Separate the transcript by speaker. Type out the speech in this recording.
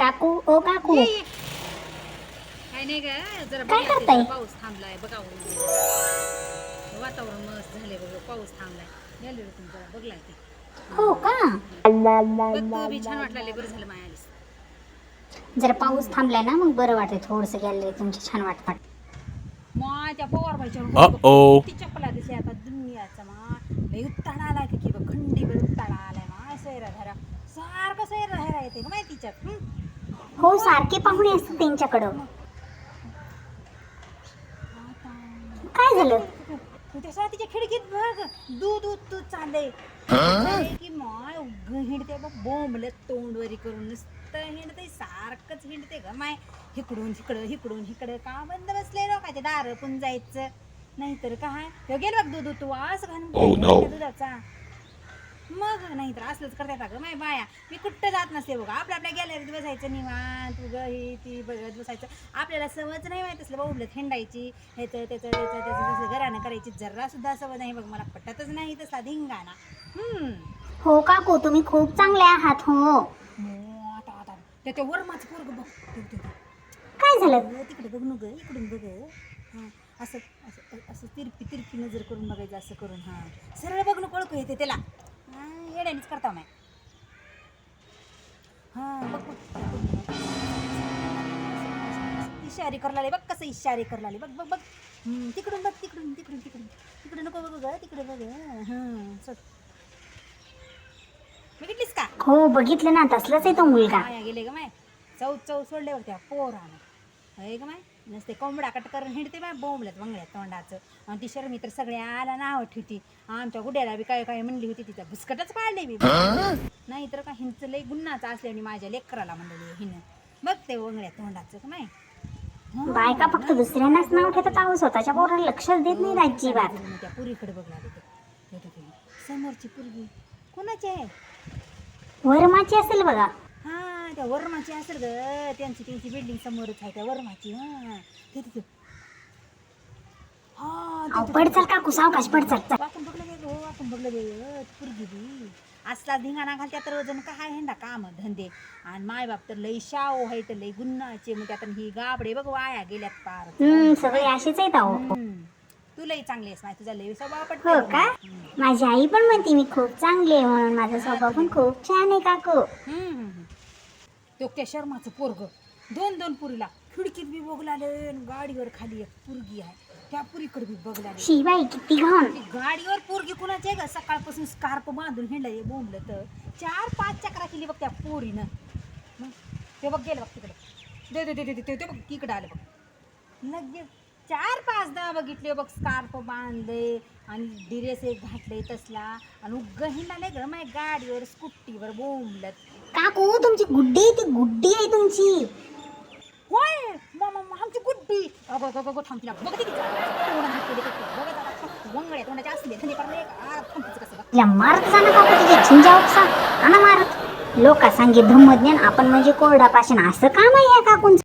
Speaker 1: काकू ओ काकू
Speaker 2: काय नाही ग, जरा
Speaker 1: काय करताय?
Speaker 2: पाऊस थांबलाय बघा. वातावरण मस्त झाले बघ, पाऊस थांबलाय. गेले रे तुम्ही जरा बघलाय ते.
Speaker 1: हो का?
Speaker 2: बघ तू बी छान वाटलं, बरं झालं माया आलीस.
Speaker 1: जरा पाऊस थांबलाय ना मग बरं वाटतंय, थोडंसं गॅलरी तुमची छान वाटत.
Speaker 2: माय त्या पवार
Speaker 3: Uh-oh.
Speaker 2: किती चपला दिसल्या आता दुनियाचा मा लय उत्ताडा आलाय की बघ, खंडीभर उत्ताडा आलाय मा. सैरा धरा सारखं सैरा धरा येते का माहिती तिच्यात.
Speaker 1: हो, सारखे पाहुणे असतात त्यांच्याकडं. काय झालं?
Speaker 2: त्याच्या तिच्या खिडकीत बघ दूध दूध चाललंय की माय उग हिंडते बघ, बोंबल तोंडवरी करून नुसतं हिंडते, सारखंच हिंडते ग माय. इकडून इकडं का बंद बसले लोकांचे दार पण जायचं नाहीतर काय. तो गेल बघ दूध तू असं घालून दुधाचा. मग नाहीतर असलंच करतात ग माय बाया. मी कुठं जात नसते बघा, आपल्या गॅलरीत बसायचं निवांत तू ग ही ती बघत बसायचं. आपल्याला सवयच नाही माहित असलं बोबलत हिंडायची, ह्याचं त्याचं जसं घरानं करायची जरा सुद्धा सवय नाही बघ. मला पटतच नाही तसा धिंगाणा.
Speaker 1: हो काकू, तुम्ही खूप चांगले आहात. हो.
Speaker 2: आता त्याच्या वरमाचं पोरग बघ.
Speaker 1: काय झालं?
Speaker 2: तिकडे बघ न ग, इकडून बघ. हां असं असं असं तिरपी नजर करून बघायचं, असं करून. हां सरळ बघ न, ओळखू येते त्याला. येड्यानेच करता माय. हां बघ इशारे करलाले बघ, कसं इशारे करलाले बघ बघ बघ. तिकडून बघ, तिकडे नको बघ ग, तिकडे बघ. हां चल, बघितलीस का?
Speaker 1: हो बघितलं ना, तसलाच आहे तो मुलगा.
Speaker 2: माया गेले ग माय, चौ सोडल्यावर त्या पोरानं. हे ग माय नसते कोंबडा कट करून हिंडते माय, बोंबल्यात बंगल्यात तोंडाचं. आणि ती शर्मी तर सगळ्याला नाव ठेवती. आमच्या गुड्याला बी काय म्हणली होती, तिचा भुसकटच पाडले मी. नाही तर का हिंच लय गुन्हाचं असल्याने माझ्या लेकराला म्हणलेली हिनं. बघ ते बंगल्यात तोंडाचं का माय.
Speaker 1: बायका फक्त दुसऱ्यांनाच नाव ठेवतात, आहो स्वतःच्या पोराला लक्षच देत नाही अजिबात.
Speaker 2: त्या पुरीकडे बघला समोरची पुरगी कोणाची आहे?
Speaker 1: वरमाची असेल बघा.
Speaker 2: हा त्या वर्माची असेल ग, त्यांची बिल्डिंग समोरच आहे त्या वर्माची.
Speaker 1: पडचाल काकू, सावकाश पडचाल.
Speaker 2: आपण बघलं गे हो, आपण बघलं गे पुरगी बी असला धिंगाणा घालत्या तर वजन काय हेंडा काम धंदे. आणि मायबाप तर लई शाव आहे, तर लई गुन्हाचे. मग त्यात ही गाबडे बघ वाया गेल्यात पार.
Speaker 1: सगळे असेच आहेत अहो.
Speaker 2: तू लई चांगली आहेस माय, तुझा लई स्वभाव
Speaker 1: हो
Speaker 2: पटतो.
Speaker 1: का? माझी आई पण म्हणते मी खूप चांगली आहे म्हणून. माझा स्वभाव पण खूप छान आहे काकू.
Speaker 2: तो त्या शर्माचं पोरग दोन पुरीला खिडकीत बी बघलाले. गाडीवर खाली एक पुरगी आहे, त्या पुरीकडे बी बघलाले.
Speaker 1: शिवाई किती घाण.
Speaker 2: गाडीवर पोरगी कुणाची आहे ग? सकाळपासून स्कार्प बांधून हिंडलंय बोंबलं तर 4-5 चक्रा केली बघ त्या पोरीनं. ते बघ गेलं बघ तिकडे. ते बघ तिकडे आलं बघ. लगेच 4-5दा बघितले बघ, स्कार्प बांधले आणि ड्रेस एक घातले तसला. आणि उग्ग हिंडाले ग माय गाडीवर स्कूटीवर बोंबलत.
Speaker 1: काकू तुमची गुड्डी, ती गुड्डी आहे तुमची.
Speaker 2: होय आमची गुड्डी. अगो थांब तिला बघ किती वंगड्या तोंडाचे असले थंडी पडले कसं
Speaker 1: तिला मारत जा ना काकू, तिचे झिंजा उपसा आणा मारत. लोका सांगे ब्रह्मज्ञान, आपण म्हणजे कोरडा पाषाण. असं काम आहे या काकूंचं.